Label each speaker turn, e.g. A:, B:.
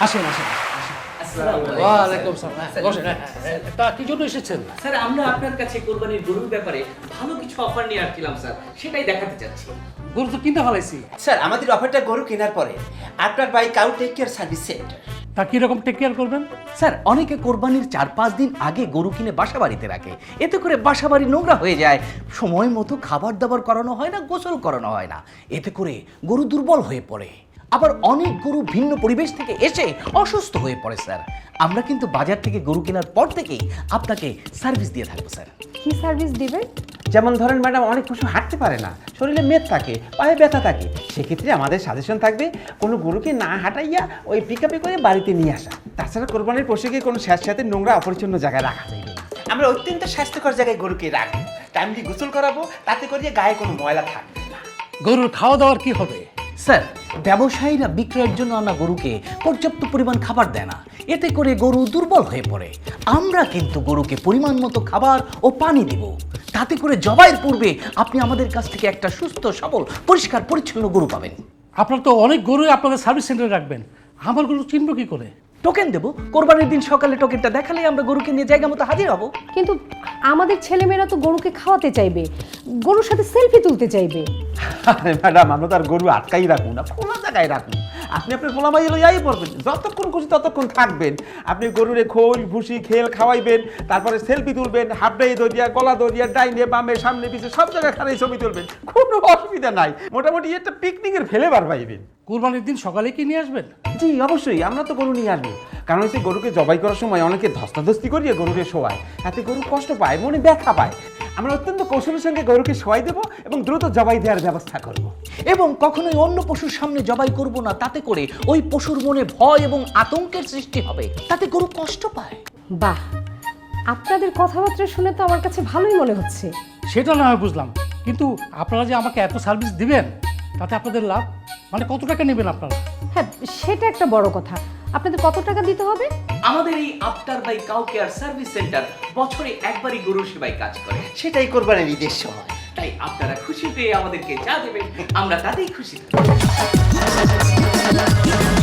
A: আসেন আসেন। ওয়ালাইকুম সালাম। বসেন। তা কি জন্য এসেছেন?
B: স্যার আমরা আপনার কাছে কোরবানির গরুর ব্যাপারে ভালো কিছু অফার নিয়ে আসছিলাম স্যার, সেটাই দেখাতে চাচ্ছি।
A: গরু তো কিনতে ফেলাইছি।
C: স্যার আমাদের অফারটা গরু কেনার পরে আপনার by cow take care service centre.
A: তা কিরকম টেক কেয়ার করবেন?
D: স্যার অনেকে কোরবানির ৪-৫ দিন আগে গরু কিনে বাসা বাড়িতে রাখে, এতে করে বাসা বাড়ি নোংরা হয়ে যায়, সময় মতো খাবার দাবার করানো হয় না, গোসল করানো হয় না, এতে করে গরু দুর্বল হয়ে পড়ে। আবার অনেক গরু ভিন্ন পরিবেশ থেকে এসে অসুস্থ হয়ে পড়ে স্যার। আমরা কিন্তু বাজার থেকে গরু কেনার পর থেকেই আপনাকে সার্ভিস দিয়ে থাকবো স্যার।
E: কি সার্ভিস দিবে?
F: যেমন ধরেন ম্যাডাম অনেক পশু হাঁটতে পারে না, শরীরে মেদ থাকে, পায়ে ব্যথা থাকে, সেক্ষেত্রে আমাদের সাজেশন থাকবে কোনো গরুকে না হাঁটাইয়া ওই পিকআপে করে বাড়িতে নিয়ে আসা। তাছাড়া কোরবানির পশুকে কোনো স্যাঁতস্যাঁতে নোংরা অপরিচ্ছন্ন জায়গায় রাখা যাবে না।
C: আমরা অত্যন্ত স্বাস্থ্যকর জায়গায় গরুকে রাখবো, টাইমলি গোসল করাবো, তাতে করে গায়ে কোনো ময়লা থাকবে না।
A: গরুর খাওয়া দাওয়ার কি হবে?
D: স্যার ব্যবসায়ীরা বিক্রয়ের জন্য আনা গরুকে পর্যাপ্ত পরিমাণ খাবার দেয় না, এতে করে গরু দুর্বল হয়ে পড়ে। আমরা কিন্তু গরুকে পরিমাণ মতো খাবার ও পানি দিব, তাতে করে জবাইয়ের পূর্বে আপনি আমাদের কাছ থেকে একটা সুস্থ সবল পরিষ্কার পরিচ্ছন্ন গরু পাবেন।
A: আপনারা তো অনেক গরুই আপনাদের সার্ভিস সেন্টারে রাখবেন, আমার গরু চিনব কি করে?
D: টোকেন দেবো, কোরবানির দিন সকালে টোকেনটা দেখালেই আমরা গরুকে নিয়ে জায়গা মতো হাজির হব।
E: কিন্তু আমাদের ছেলেমেয়েরা তো গরুকে খাওয়াতে চাইবে, গরুর সাথে সেলফি তুলতে চাইবে।
F: আরে ম্যাডাম আমরা তো আর গরু আটকাই রাখুন না, খোলা জায়গায় রাখুন। আপনি আপনার খোলামাই লইয়াই পড়বেন, যতক্ষণ খুশি ততক্ষণ থাকবেন। আপনি গরুরে খোল ভুসি খেল খাওয়াইবেন, তারপরে সেলফি তুলবেন, হাফডাই দরিয়া, গলা দরিয়া, ডাইনে বামে সামনে পিছে সব জায়গায় খারাই ছবি তুলবেন, কোনো অসুবিধা নাই। মোটামুটি একটা পিকনিকের ফেলেবার পাইবেন।
A: কুরবানির দিন সকালে কি নিয়ে আসবেন?
F: জি অবশ্যই আমরা তো গরু নিয়ে আসবো, কারণ হচ্ছে গরুকে জবাই করার সময় অনেকে ধস্তাধস্তি করিয়ে গরুকে শোয়ায়, তাতে গরু কষ্ট পায়, মনে ব্যথা পায়। আমরা অত্যন্ত কৌশলের সঙ্গে গরুকে শোয়াই দেবো এবং দ্রুত জবাই দেওয়ার ব্যবস্থা করব।
D: এবং কখনোই অন্য পশুর সামনে জবাই করব না, তাতে করে ওই পশুর মনে ভয় এবং আতঙ্কের সৃষ্টি হবে, তাতে গরু কষ্ট পায়।
E: বাহ, আপনাদের কথাবার্তা শুনে তো আমার কাছে ভালোই মনে হচ্ছে।
A: সেটা না হয় বুঝলাম, কিন্তু আপনারা যে আমাকে এত সার্ভিস দিবেন তাতে আপনাদের লাভ, মানে কত টাকা নেবেন আপনারা?
E: হ্যাঁ, সেটা একটা বড় কথা। আপনাদের কত টাকা দিতে হবে?
B: আমাদের এই after by cow care service centre বছরে একবারই গরুর সেবায় কাজ করে,
C: সেটাই কোরবানির ঈদের সময়।
B: তাই আপনারা খুশি পেয়ে আমাদেরকে যা দেবেন আমরা তাতেই খুশি থাকবো।